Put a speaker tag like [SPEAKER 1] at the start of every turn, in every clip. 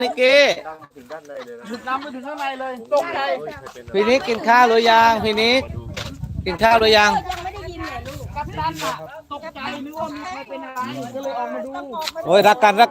[SPEAKER 1] นิกกี้
[SPEAKER 2] ถึงน้ำไปถึงข้างในเลยตกใจ
[SPEAKER 1] พี่นิกกินข้าวหรือยังพี่นิกกินข้าวหรือยัง
[SPEAKER 3] ยังไม่ได้ยินเลยลูก
[SPEAKER 2] กัปตันอะตกใจนึกว่ามีใครเป็นอะไรก็เลยออกมาดู
[SPEAKER 1] โอ้ยรักกัน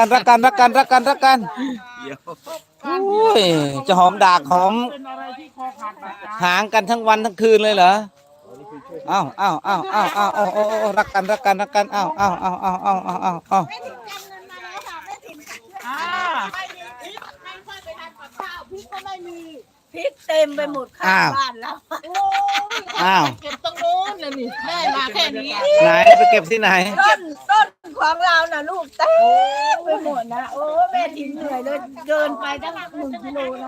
[SPEAKER 1] โอ้ยจะหอมดากหอม
[SPEAKER 2] เป็นอะไรที่คอขาดบาดตาย
[SPEAKER 1] หางกันทั้งวันทั้งคืนเลยเหรออ้าวรักกันอ้าว
[SPEAKER 3] แม่ถิ่นจำเงินมาแล้วค่ะแม่ถิ่นช่วย
[SPEAKER 2] อ่า
[SPEAKER 3] ไม่มีพริกไม่ค่อยไปทำกับข้าวพริกก็ไม่มีพริกเต็มไปหมดข้างบ้านแล้วโอ้ย
[SPEAKER 1] อ้าว
[SPEAKER 2] เก็บตรงโน้นเลยนี่ได้มาแค่นี้
[SPEAKER 1] ไหนไปเก็บที่ไหน
[SPEAKER 3] ต้นของเราน่ะลูกเต็มไปหมดนะโอ้แม่ถิ่นเหนื่อยเลยเดินไปตั้ง1 กิโลนะ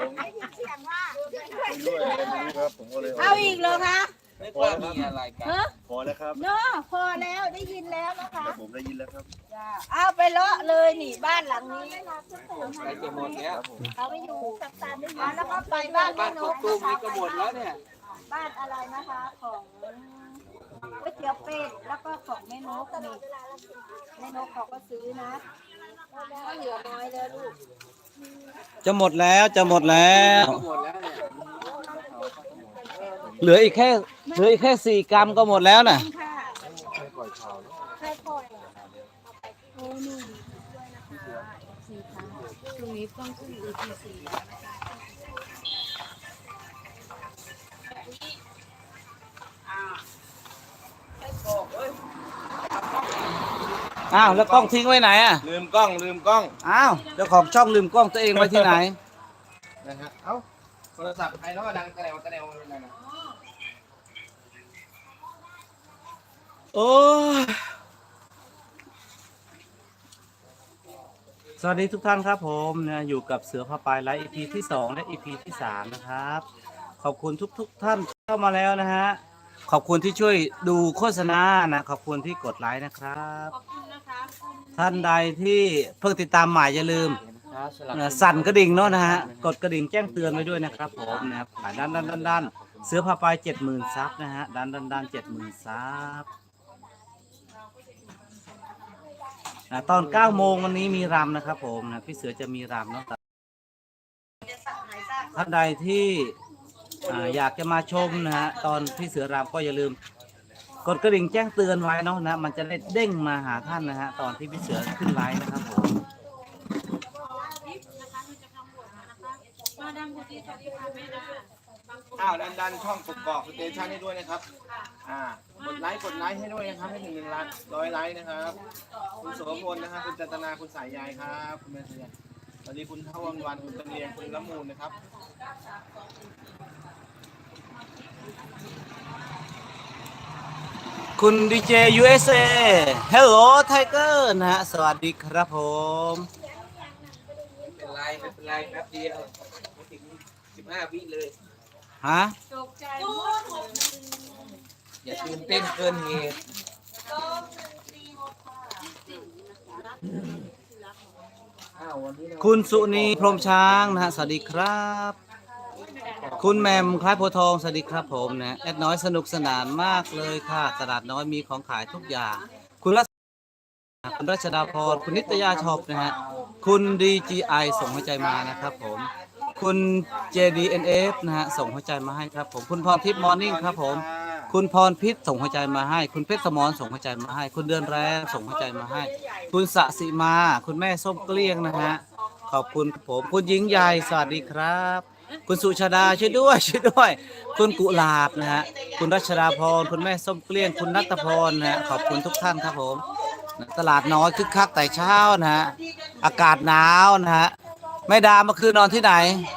[SPEAKER 3] เอาอีกเหรอคะ
[SPEAKER 1] ไม่ว่ามีอะไรกัน
[SPEAKER 3] ฮะ
[SPEAKER 4] พอแล้วครับ
[SPEAKER 3] เนาะพอแล้วได้ยินแล้วนะคะ
[SPEAKER 4] ผมได้ยินแล้วครับ
[SPEAKER 3] จ้าเอาไปเลาะเลยนี่บ้านหลังนี้
[SPEAKER 1] ใกล้จะหมดแล้ว
[SPEAKER 3] เขาไปอยู่กับตาได้ยินแล้วก็ไปบ้านแม่นก
[SPEAKER 1] ตุ้มนี่ก็หมดแล้วเนี่ย
[SPEAKER 3] บ้านอะไรนะคะของก๋วยเตี๋ยวเป็ดแล้วก็ของแม่นกนี่แม่นกเขาก็ซื้อนะก็เหลือน้อยแล้วลูก
[SPEAKER 1] จะหมดแล้วเหลืออีกแค่4 กรัมก็หมดแล้วน่ะ
[SPEAKER 3] ค่ะใครปล่อยโอ้นี่ด้วยนะคะสี่ครั้งตรงนี้ต้องขึ้นEP4
[SPEAKER 1] อ้าวแล้วกล้องทิ้งไว้ไหนอ่ะ
[SPEAKER 4] ลืมกล้อง
[SPEAKER 1] อ้าวเจ้าของช่องลืมกล้องตัวเองไว้ที่ไหน
[SPEAKER 4] นะฮะเอ้าโทรศัพท์ใครเนาะดังตะแนวนั่นน่ะ
[SPEAKER 1] โอ้ยสวัสดีทุกท่านครับผมนะอยู่กับเสือผ้าปลายไลฟ์ EP ที่2และ EP ที่3นะครับขอบคุณทุกท่านที่เข้ามาแล้วนะฮะขอบคุณที่ช่วยดูโฆษณานะขอบคุณที่กดไลค์นะครับท่านใดที่เพิ่งติดตามใหม่อย่าลืมสั่นกระดิ่งเนาะนะฮะกดกระดิ่งแจ้งเตือนไว้ด้วยนะครับผมนะครับด้านเสือผ้าปลาย70,000 ซับนะฮะด้าน70,000 ซับตอน9 โมงวันนี้มีรำนะครับผมนะพี่เสือจะมีรำเนาะท่านใดที่อยากจะมาชมนะฮะตอนพี่เสือรำก็อย่าลืมกดกระดิ่งแจ้งเตือนไว้เนาะนะมันจะได้เด้งมาหาท่านนะฮะตอนที่พี่เสือขึ้นไลฟ์นะครับผม
[SPEAKER 4] อ้าวดันช่องกกอกสเตชันให้ด้วยนะครับกดไลค์ให้ด้วยนะครับให้1 ล้าน100 ไลค์นะครับคุณโสพลนะครับคุณจันตนาคุณสายใยครับคุณแม่สายใยสวัสดีคุณทวันคุณตะเลียงคุณละมูลนะครับ
[SPEAKER 1] คุณดีเจ USA Hello Tiger นะฮะสวัสดีครับผม
[SPEAKER 4] ไม่เป็นไรแป๊บเดียวไม่ถึง15 วิเลย
[SPEAKER 1] ฮะ
[SPEAKER 4] อย่าตื่นเต้นเกินเหตุ
[SPEAKER 1] คุณสุนีพรหมช้างนะฮะสวัสดีครับคุณแมมคล้ายโพธิ์ทองสวัสดีครับผมนะแอดน้อยสนุกสนานมากเลยค่ะตลาดน้อยมีของขายทุกอย่างคุณรัชดาพรคุณนิตยาชอบนะฮะคุณ DGI ส่งหัวใจมานะครับผมคุณ JDNF นะฮะส่งหัวใจมาให้ครับผมคุณพรทิพย์มอร์นิ่งครับผมคุณพรพิษส่งหัวใจมาให้คุณเพชรสมรส่งหัวใจมาให้คุณเดือนแรงส่งหัวใจมาให้คุณสสิมาคุณแม่ส้มเกลี้ยงนะฮะขอบคุณผมคุณหญิงใหญ่สวัสดีครับคุณสุชาดาช่วยด้วยคุณกุหลาบนะฮะคุณรัชดาพรคุณแม่ส้มเกลี้ยงคุณนัทพรนะฮะขอบคุณทุกท่านครับผมตลาดน้อยคึกคักแต่เช้านะฮะอากาศหนาวนะฮะแม่ดาเมื่อคืนนอนที่ไหน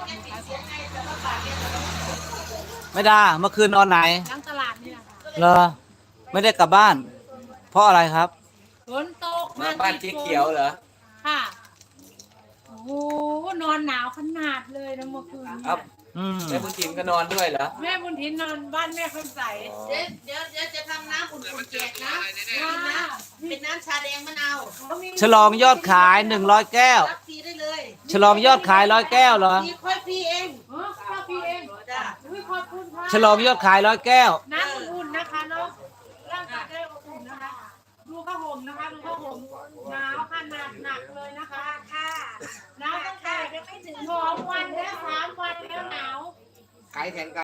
[SPEAKER 1] แม่ดาเมื่อคืนนอนไหน
[SPEAKER 3] ทั้งตลาดนี่แหละค่ะ
[SPEAKER 1] เหรอไม่ได้กลับบ้าน เพราะอะไรครับ
[SPEAKER 3] ฝนตก
[SPEAKER 1] มาบ้านเจ๊เขียวเหรอ
[SPEAKER 3] ค่ะโอ้โหนอนหนาวขนาดเลยนะเมื่อคืนเนี่ย
[SPEAKER 1] แม่บุญถิ่นก็นอนด้วยเหรอ
[SPEAKER 3] แม่บุญทินนอนบ้านแม่คำใสเดี๋ยวจะทำน้ำอุ่นๆแจกนะเป็นน้ำชาแดงมะนาว
[SPEAKER 1] ฉลองยอดขาย100 แก้ว
[SPEAKER 3] รับฟรีได้เลย
[SPEAKER 1] ฉลองยอดขาย100 แก้วเหรอ
[SPEAKER 3] ฟรีค่อยฟรีเองค่อยฟรีเองจ้ะขอบคุณค่ะ
[SPEAKER 1] ฉลองยอดขาย100 แก้ว
[SPEAKER 3] น้ำอุ่นๆนะคะเนาะร่างกายได้อบอุ่นนะคะดูข้าวห่มนะคะดูข้าวห่มหนาวขนาดหนักเลยนะคะค่ะน้ำ
[SPEAKER 4] ขายแข่งกัน